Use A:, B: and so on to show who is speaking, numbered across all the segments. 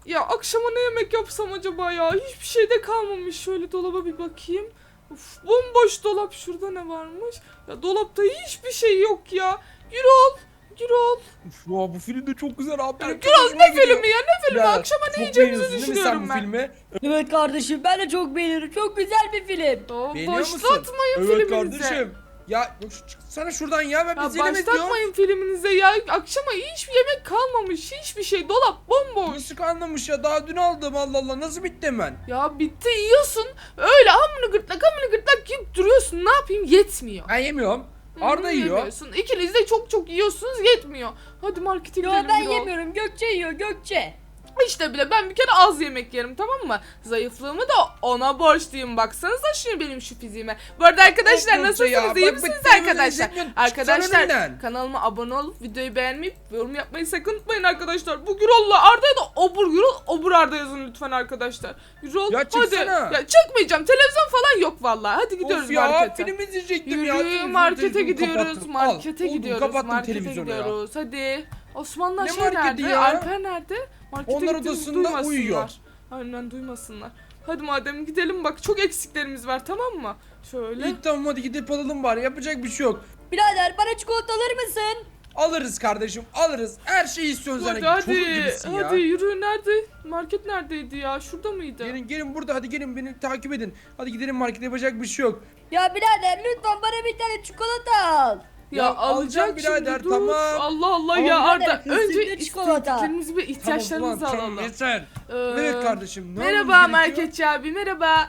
A: Ya akşama ne yemek yapsam acaba ya? Hiçbir şey de kalmamış. Şöyle dolaba bir bakayım. Uf, bomboş dolap. Şurada ne varmış? Ya dolapta hiçbir şey yok ya. Gürol. Gürol.
B: Uf, ya bu film de çok güzel abi.
A: Ya
B: Benim çok
A: Gürol
B: hoşuma
A: ne
B: gidiyor.
A: filmi ya? Ne filmi?
B: Ya,
A: Akşama ne
B: çok
A: yiyeceğimizi
B: beğeniyorsun değil mi sen
A: düşünüyorum
B: bu
A: ben.
B: filmi?
C: Evet kardeşim ben de çok beğenirim. Çok güzel bir film.
A: Ya
B: Beğeniyor musun?
A: başlatmayın
B: Evet
A: filminize.
B: kardeşim. Ya çıksana şuradan ya, ben
A: Ya
B: biz yemek
A: başlatmayın filminize ya. Akşama hiçbir yemek kalmamış. Hiçbir şey. Dolap bomboş.
B: Nasıl anlamış ya, daha dün aldım, Allah Allah, nasıl bitti hemen?
A: Ya bitti yiyorsun. Öyle hamını gırtlak yiyip duruyorsun. Ne yapayım? Yetmiyor.
B: Ben yemiyorum. Arda yiyor.
A: Yemiyorsun. İkiniz de çok yiyorsunuz, yetmiyor. Hadi markete
C: Yo
A: gidelim.
C: ben
A: Gürol.
C: yemiyorum. Gökçe yiyor Gökçe.
A: İşte bile ben bir kere az yemek yerim, tamam mı? Zayıflığımı da ona borçluyum. Baksanıza şimdi benim şu fiziğime. Bu arada arkadaşlar
B: Of,
A: nasılsınız?
B: ya,
A: İyi
B: bak,
A: misiniz
B: bak,
A: arkadaşlar?
B: izlemiyorum.
A: Arkadaşlar
B: Çıksana önümden.
A: kanalıma abone olup videoyu beğenmeyip yorum yapmayı sakın unutmayın arkadaşlar. Bu Gürol'la Arda'ya da obur Arda yazın lütfen arkadaşlar. Gürol
B: Ya
A: hadi.
B: çıksana.
A: Ya çıkmayacağım. Televizyon falan yok vallahi. Hadi gidiyoruz
B: Of ya,
A: markete.
B: film izleyecektim
A: Yürü,
B: ya. Televizyon,
A: markete
B: televizyonu
A: gidiyoruz.
B: kapattım.
A: Markete
B: Al, oğlum,
A: gidiyoruz.
B: kapattım
A: Markete
B: televizyonu ya.
A: gidiyoruz. Hadi. Osman'la
B: Ne
A: şey
B: marketi
A: nerede?
B: ya?
A: Alper nerede? Markete
B: Onlar
A: gittiğimizi
B: odasında
A: duymasınlar.
B: uyuyor.
A: Aynen duymasınlar. Hadi madem gidelim, bak çok eksiklerimiz var, tamam mı? Şöyle.
B: İyi tamam, hadi gidip alalım bari, yapacak bir şey yok.
C: Birader bana çikolata alır mısın?
B: Alırız kardeşim, alırız. Her şeyi istiyorsun
A: Hadi
B: zaten. Çocuk
A: hadi.
B: gibisin ya.
A: Hadi yürü, nerede? Market neredeydi ya? Şurada mıydı?
B: Gelin burada, hadi gelin, beni takip edin. Hadi gidelim markete, yapacak bir şey yok.
C: Ya birader lütfen bana bir tane çikolata al.
A: Ya
B: Ya
A: alacak
B: alacağım birader,
A: şimdi, dur.
B: tamam.
A: Allah Allah
C: Ama
A: ya
C: birader,
A: Arda.
C: kızım
A: Önce
C: ne çikolata?
A: istediklerimizi ve ihtiyaçlarımızı
B: Tamam,
A: alalım.
B: yeter.
A: Ee,
B: Evet kardeşim, ne
A: Merhaba
B: yapmamız gerekiyor?
A: marketçi abi, merhaba.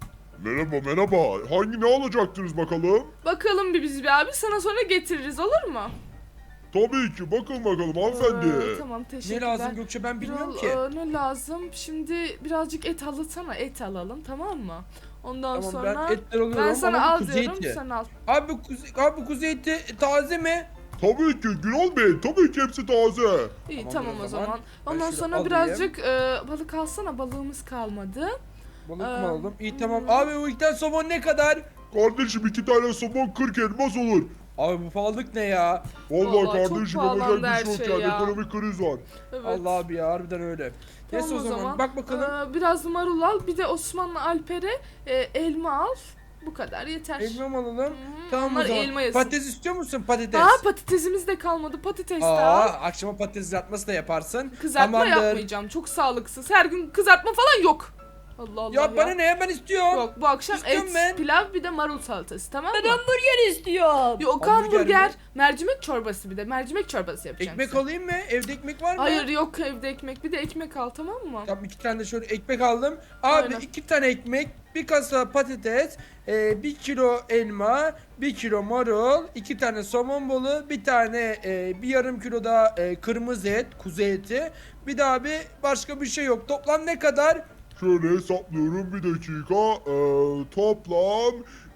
D: Merhaba. Hangi ne alacaktınız bakalım?
A: Bakalım bir biz bir abi, sana sonra getiririz, olur mu?
D: Tabii ki. Bakın bakalım hanımefendi.
A: Tamam,
B: Ne
A: teşekkürler.
B: lazım Gökçe, ben bilmiyorum
A: Gürol,
B: ki.
A: ne lazım? Şimdi birazcık et alırsana, et alalım, tamam mı? Ondan
B: Tamam,
A: sonra
B: ben etler alıyorum
A: ben sana
B: ama
A: al
B: bu kuzu
A: diyorum,
B: eti.
A: sen al.
B: Abi kuzu eti taze mi?
D: Tabii ki Gürol Bey. Tabii ki hepsi taze.
A: İyi
B: Tamam,
A: tamam
B: o
A: o
B: zaman.
A: zaman.
B: Ben
A: Ondan
B: şöyle
A: sonra
B: alayım.
A: birazcık balık alsana, balığımız kalmadı.
B: Balık mı
A: Ee,
B: aldım? İyi tamam. Abi bu ilkten somon ne kadar?
D: Kardeşim 2 tane somon 40 elmas olur.
B: Abi bu pahalılık ne ya?
D: Vallahi
A: Vallahi çok
D: kardeşim
A: pahalandı
D: yapacak bir
A: her
D: şey yok
A: şey
D: yani.
A: ya.
D: Ekonomik kriz var.
A: Evet.
B: Allah abi ya, harbiden öyle.
A: Tamam
B: Neyse o zaman bak bakalım.
A: Biraz marul al, bir de Osmanlı Alper'e elma al. Bu kadar yeter.
B: Elma mı alalım?
A: Hı,
B: Tamam
A: onlar
B: o zaman.
A: elma yesin.
B: Patates istiyor musun, patates?
A: Aa, patatesimiz de kalmadı. Patates de
B: Aa,
A: al.
B: akşama patates kızartması da yaparsın.
A: Kızartma
B: Tamamdır.
A: yapmayacağım. Çok sağlıksız. Her gün kızartma falan yok. Allah Allah
B: Ya bana ne ya, ben istiyorum.
A: Yok, bu akşam
B: İstiyorum
A: et,
B: ben.
A: pilav, bir de marul salatası, tamam mı?
C: Ben hamburger istiyorum.
A: Yok,
B: Hamburger
A: hamburger,
B: mi?
A: mercimek çorbası, bir de mercimek çorbası yapacaksın.
B: Ekmek alayım mı? Evde ekmek var mı?
A: Hayır, yok evde ekmek, bir de ekmek al, tamam mı?
B: Tamam, 2 tane de şöyle ekmek aldım. Abi
A: Aynen.
B: 2 tane ekmek, bir kasa patates, 1 kilo elma, 1 kilo marul, 2 tane somon balığı, bir tane bir yarım kilo da kırmızı et, kuzu eti. Bir daha bir başka bir şey yok. Toplam ne kadar?
D: Şöyle hesaplıyorum bir dakika. Toplam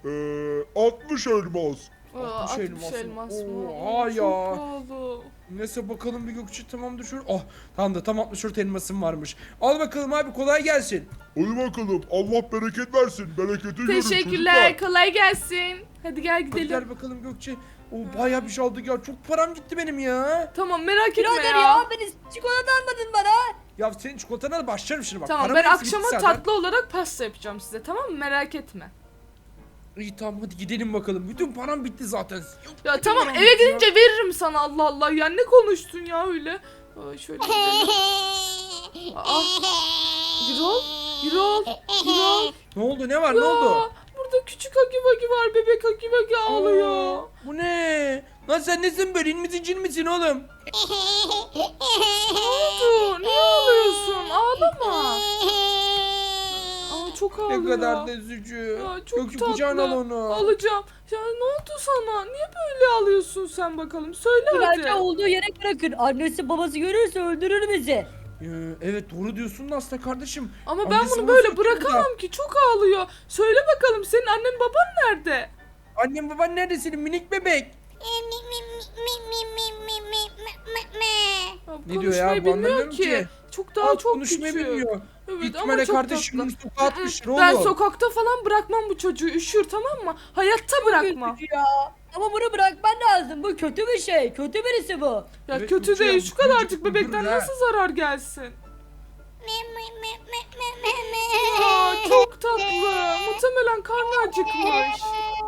D: 60 elmas.
A: Aa,
B: 60 elmas
A: 60
B: mı?
A: elmas mı?
B: Oha
A: Çok
B: ya.
A: pahalı.
B: Neyse bakalım bir Gökçe, tamamdır şöyle. Oh tamam da tam 64 elmasım varmış. Al bakalım abi, kolay gelsin.
D: Hadi bakalım. Allah bereket versin. Bereketi görün
A: Teşekkürler,
D: çocuklar.
A: kolay gelsin. Hadi gel
B: Hadi
A: gidelim.
B: gel bakalım Gökçe. O bayağı bir şey aldık ya. Çok param gitti benim ya.
A: Tamam, merak etme
C: Birader
A: ya.
C: ya beni çikolata almadın bana.
B: Ya senin çikolatana da başlarım şimdi bak.
A: Tamam,
B: Param
A: ben
B: hepsi gitti
A: akşama
B: zaten.
A: tatlı olarak pasta yapacağım size, tamam mı? Merak etme.
B: İyi tamam, hadi gidelim bakalım. Bütün param bitti zaten. Yok,
A: Ya
B: bütün
A: tamam,
B: param
A: eve
B: bitti ya.
A: gidince veririm sana, Allah Allah ya, ne konuştun ya öyle. Aa, şöyle gidelim. Aa, Gürol, Gürol.
B: Ne oldu, ne var, ne oldu?
A: Ya, burada küçük Hagi Vagi var, bebek Hagi Vagi ağlıyor.
B: Aa, bu ne? Lan sen nesin böyle, in misin cin misin oğlum?
A: Ne oldu? Niye ağlıyorsun? Ağlama. Aa, çok ağlıyor.
B: Ne kadar da üzücü.
A: Ya, çok
B: Gökçe
A: tatlı.
B: kucağına al onu.
A: Alacağım. Ya ne oldu sana? Niye böyle ağlıyorsun sen bakalım? Söyle
C: Bence
A: hadi.
C: olduğu yere bırakın. Annesi babası görürse öldürür bizi.
B: Evet doğru diyorsun da aslında kardeşim.
A: Ama ben
B: Annesi
A: bunu
B: babası
A: böyle
B: yok burada.
A: bırakamam ki. Çok ağlıyor. Söyle bakalım, senin annen baban nerede?
B: Annem baban nerede senin minik bebek?
A: Ya,
B: Ne diyor ya,
A: konuşmayı
B: bu
A: bilmiyor
B: anlamıyorum ki.
A: Çok daha çok
B: Konuşmayı
A: küçük.
B: bilmiyor.
A: Evet,
B: Büyük
A: ama
B: ihtimalle
A: çok
B: kardeşim
A: tatlı.
B: bunu sokağa atmıştır oğlum.
A: Ben sokakta falan bırakmam bu çocuğu. Üşür, tamam mı? Hayatta bırakmam.
C: Kötü ya. Ama bunu bırakman lazım. Bu kötü bir şey. Kötü birisi bu.
A: Ya
B: Evet,
A: kötü
B: Burcu ya,
A: değil.
B: bu
A: Şu kadarcık
B: çocuk
A: bebekten
B: öldürür ha.
A: nasıl zarar gelsin? Aa, çok tatlı. Muhtemelen karnı acıkmış.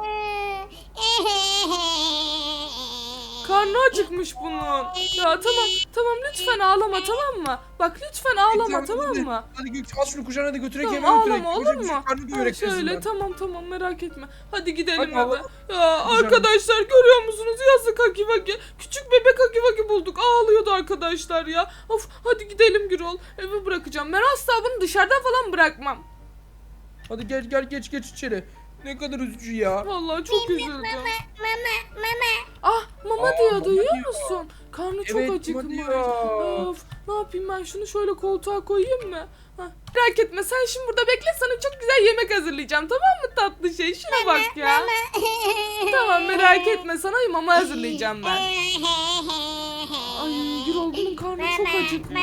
A: Karnı acıkmış bunun. Ya tamam lütfen ağlama, tamam mı? Bak lütfen ağlama, tamam mı?
B: Hadi Gökçe al şunu kucağına da götürek
A: Tamam,
B: eve götürek.
A: ağlama, olur mu?
B: Karnı
A: Ha,
B: doyurek
A: şöyle tamam merak etme. Hadi gidelim
B: Hadi
A: eve.
B: ağlama.
A: Ya arkadaşlar görüyor musunuz? Yazık Hagi Vagi. Küçük bebek Hagi Vagi bulduk. Ağlıyordu arkadaşlar ya. Of hadi gidelim Gürol. Eve bırakacağım. Ben asla bunu dışarıdan falan bırakmam.
B: Hadi gel geç içeri. Ne kadar üzücü ya.
A: Vallahi çok üzüldüm.
E: Mama.
A: Ah mama
B: Aa,
A: diyor,
B: mama
A: duyuyor
B: diyor.
A: musun? Karnı çok
B: Evet, mama
A: acıkmış.
B: diyor.
A: Of ne yapayım, ben şunu şöyle koltuğa koyayım mı? Hah, merak etme, sen şimdi burada bekle, sana çok güzel yemek hazırlayacağım, tamam mı tatlı şey? Şuna bak ya. Tamam merak etme, sana mama hazırlayacağım ben. Ay Gürol, bunun karnı çok acıkmış.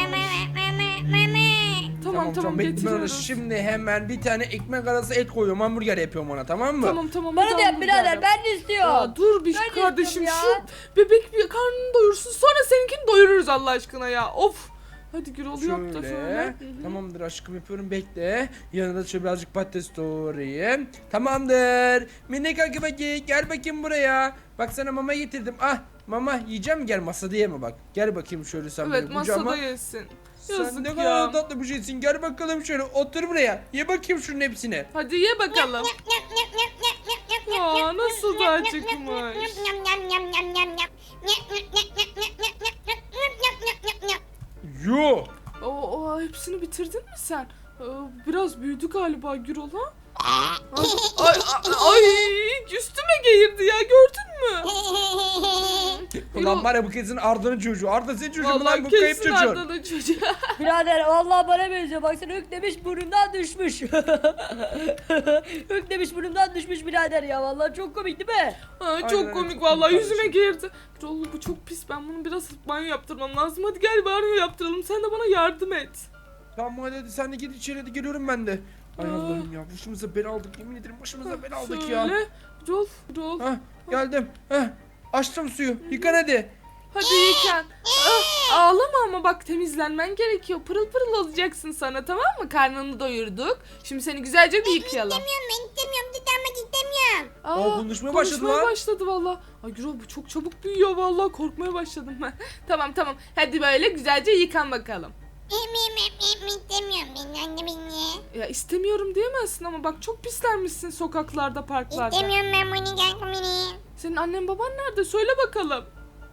A: Tamam
B: bekle ben ona
A: getiriyoruz.
B: şimdi hemen bir tane ekmek arası et koyuyorum, hamburger yapıyorum ona, tamam mı?
A: Tamam.
C: Bana da yap
A: hamburger
C: birader,
A: yap.
C: ben de istiyorum.
A: Ya dur bir
C: Ben de
A: kardeşim,
C: istiyorum
A: şu bebek bir karnını doyursun, sonra seninkini doyururuz Allah aşkına ya. Of. Hadi Gürol yap da şöyle.
B: Şöyle.
A: Hı hı.
B: Tamamdır aşkım, yapıyorum, bekle. Yanına da şöyle birazcık patates doğrayayım. Tamamdır. Minik Akibaki gel bakayım buraya. Bak sana mama getirdim. Ah mama yiyeceğim mi? Gel masada yeme bak. Gel bakayım şöyle sen
A: Evet
B: benim kucağıma.
A: masada yesin.
B: Sen
A: Yazık
B: ne
A: ya.
B: kadar tatlı bir şeysin. Gel bakalım şöyle otur buraya. Ye bakayım şunun hepsini.
A: Hadi ye bakalım. Ya nasıl da acıkmış.
B: Yo.
A: Hepsini bitirdin mi sen? Biraz büyüdü galiba Gürol ha? Ay üstüme geğirdi ya, gördün mü?
B: Ulan var ya bu kesin Arda'nın çocuğu. Arda senin çocuğun mu lan,
A: Vallahi
B: bu kayıp
A: kesin
B: çocuğun.
A: Arda'nın çocuğu.
C: Birader vallahi bana benziyor. Baksana hüklemiş burnundan düşmüş. Hüklemiş burnundan düşmüş birader ya. Vallahi çok komik değil mi?
A: Çok
B: Aynen,
A: komik
B: çok
A: vallahi,
B: komik
A: yüzüme geğirdi. Gürol bu çok pis, ben bunu biraz banyo yaptırmam lazım. Hadi gel banyo yaptıralım, sen de bana yardım et.
B: Tamam hadi sen de git içeri, hadi geliyorum ben de. Ay
A: Aa.
B: Allah'ım ya, başımıza bela aldık, yemin ederim başımıza bela aldık ya.
A: Şöyle. Gürol.
B: Hah geldim. Hah açtım suyu, yıkan hadi.
A: Hadi yıkan. Ağlama ama bak, temizlenmen gerekiyor. Pırıl pırıl olacaksın sana, tamam mı? Karnını doyurduk. Şimdi seni güzelce bir yıkayalım.
B: Konuşmaya başladı lan.
A: başladı valla. Ay Gürol bu çok çabuk büyüyor valla, korkmaya başladım ben. Tamam. Hadi böyle güzelce yıkan bakalım. Ya istemiyorum diyemezsin ama bak çok pislenmişsin sokaklarda, parklarda. Senin annen baban nerede? Söyle bakalım.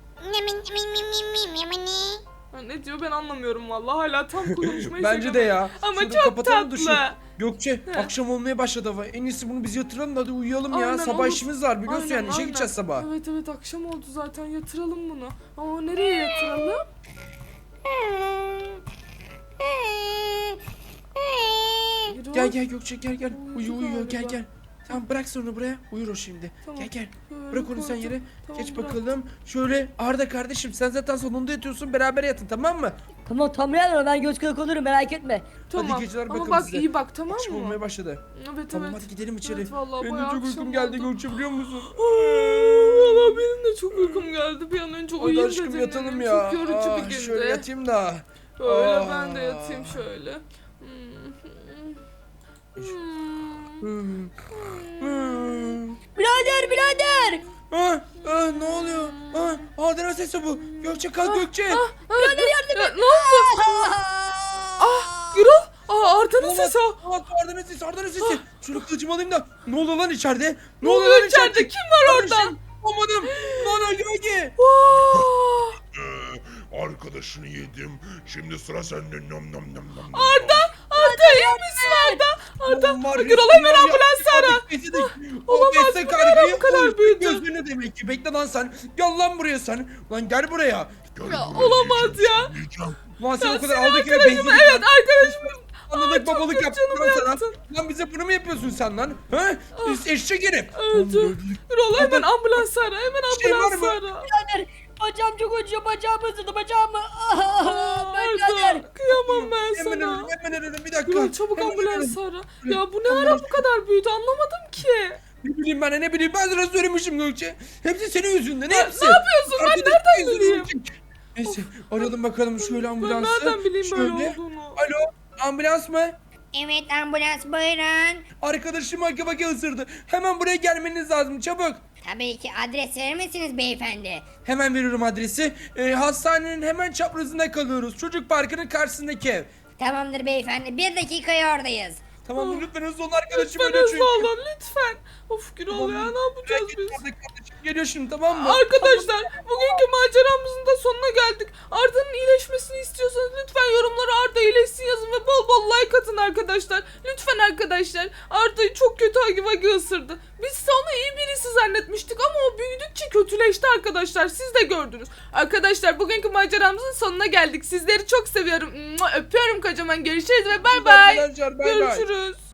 A: Ha, ne diyor ben anlamıyorum vallahi, hala tam konuşmayı
B: Bence de ya.
A: Ama
B: Şurada
A: çok
B: kapatalım
A: tatlı.
B: dışı. Gökçe
A: He.
B: akşam olmaya başladı hava. En iyisi bunu biz yatıralım da hadi uyuyalım ya.
A: Aynen,
B: Sabah
A: olur.
B: işimiz var biliyorsun
A: Aynen,
B: yani, işe
A: aynen.
B: gideceğiz sabah.
A: Evet akşam oldu zaten, yatıralım bunu. Ama nereye yatıralım? Gürol.
B: Gel Gökçe gel.
A: Uyudu
B: Uyuyor
A: galiba.
B: gel. Tamam bırak sen onu buraya. Uyur o şimdi.
A: Tamam.
B: Gel.
A: Şöyle
B: Bırak onu sen
A: koydum.
B: yere.
A: Tamam,
B: Geç
A: bırak.
B: bakalım. Şöyle Arda kardeşim sen zaten salonda yatıyorsun, beraber yatın tamam mı?
C: Tamam birader, ben göz kırık olurum, merak etme.
A: Tamam.
B: geceler
A: Ama
B: bakalım
A: bak
B: size.
A: iyi bak, tamam
B: Akşam
A: mı?
B: olmaya başladı.
A: Evet
B: Tamam
A: evet.
B: hadi gidelim içeri.
A: Evet, vallahi
B: Benim de
A: bayağı
B: çok
A: akşam
B: uykum geldi
A: oldu.
B: Gökçe, biliyor musun?
A: Valla benim de çok uykum geldi. Bir an önce
B: Hadi
A: uyuyayım
B: aşkım
A: dedim.
B: yatalım ya.
A: Çok yorucu bir gündü.
B: Şöyle yatayım da.
A: Öyle ben de yatayım şöyle.
C: Birader.
B: Ne oluyor? Arda'nın sesi bu. Gökçe kalk Gökçe.
A: Birader yardım et. Ne oldu? Gürol. Arda'nın sesi o.
B: Arda'nın sesi. Şunu kılıcımı alayım da. Ne oluyor lan içeride?
A: Ne oluyor içeride? Kim var orada?
B: Olmadım. Lan Gökçe.
A: Vaa!
D: Arkadaşını yedim. Şimdi sıra sende. Nom nom nom nom.
A: Arda iyi misin Arda? Arda. Gürol hemen ambulans ara. Olamaz, bu ne ara bu kadar büyüdü?
B: Gözlerine demek ki. Bekle lan sen. Gel lan buraya sen. Lan gel buraya.
D: Gel
A: Ya,
D: buraya,
A: olamaz
D: yiyeceğim,
A: ya.
D: yiyeceğim.
B: Lan sen
A: Ya,
B: o kadar
A: senin
B: aldık eve
A: arkadaşım,
B: benzinlik
A: evet arkadaşım.
B: Analık
A: çok
B: babalık
A: kötü
B: yaptım
A: canımı
B: lan sana.
A: yaktın.
B: Lan bize bunu mu yapıyorsun sen lan? Ha? Biz eşek herif.
A: Öldü. Gürol hemen ambulans ara. Hemen
B: Şey var
A: ambulans
B: mı?
A: ara.
C: Birader bacağım çok acıyor, bacağımı ısırdı bacağımı. Birader.
A: Arda kıyamam ben
B: Hemen
A: sana.
B: ölüm, hemen ölüm. Bir dakika.
A: Gürol çabuk
B: Hemen
A: ambulans
B: ölüm.
A: ara. Ya bu ne ara bu kadar büyüdü, anlamadım ki.
B: Ne bileyim ben ne bileyim, ben sana söylemişim Gökçe. Hepsi senin yüzünden, hepsi.
A: Ne yapıyorsun? Ben
B: Arkadaşlar
A: nereden
B: yüzünden
A: bileyim?
B: ölecek. Neyse arayalım bakalım şöyle
A: Ben
B: ambulansı.
A: nereden bileyim böyle
B: Şöyle.
A: olduğunu?
B: Alo ambulans mı?
C: Evet ambulans buyurun.
B: Arkadaşım Hagi Vagi ısırdı. Hemen buraya gelmeniz lazım çabuk.
C: Tabii ki adres verir misiniz beyefendi?
B: Hemen veriyorum adresi. Hastanenin hemen çaprazında kalıyoruz. Çocuk parkının karşısındaki ev.
C: Tamamdır beyefendi 1 dakikaya oradayız.
B: Tamam lütfen hızlı olun arkadaşım.
A: Lütfen
B: ölüyor
A: hızlı olun lütfen. Of Gürol ya ne yapacağız biz?
B: Kardeşim geliyor şimdi tamam mı?
A: Arkadaşlar bugünkü maceramızın da sonuna geldik. Arda'nın iyileşmesini istiyorsanız lütfen yorumlara Arda iyileşsin yazın ve bol bol like atın arkadaşlar. Lütfen arkadaşlar. Arda'yı çok kötü Hagi Vagi ısırdı. Biz ise onu iyi birisi zannetmiştik ama o büyüdükçe kötüleşti arkadaşlar. Siz de gördünüz. Arkadaşlar bugünkü maceramızın sonuna geldik. Sizleri çok seviyorum. Öpüyorum kocaman. Görüşürüz ve bay bay.
B: Arkadaşlar bay bay.
A: Görüşürüz.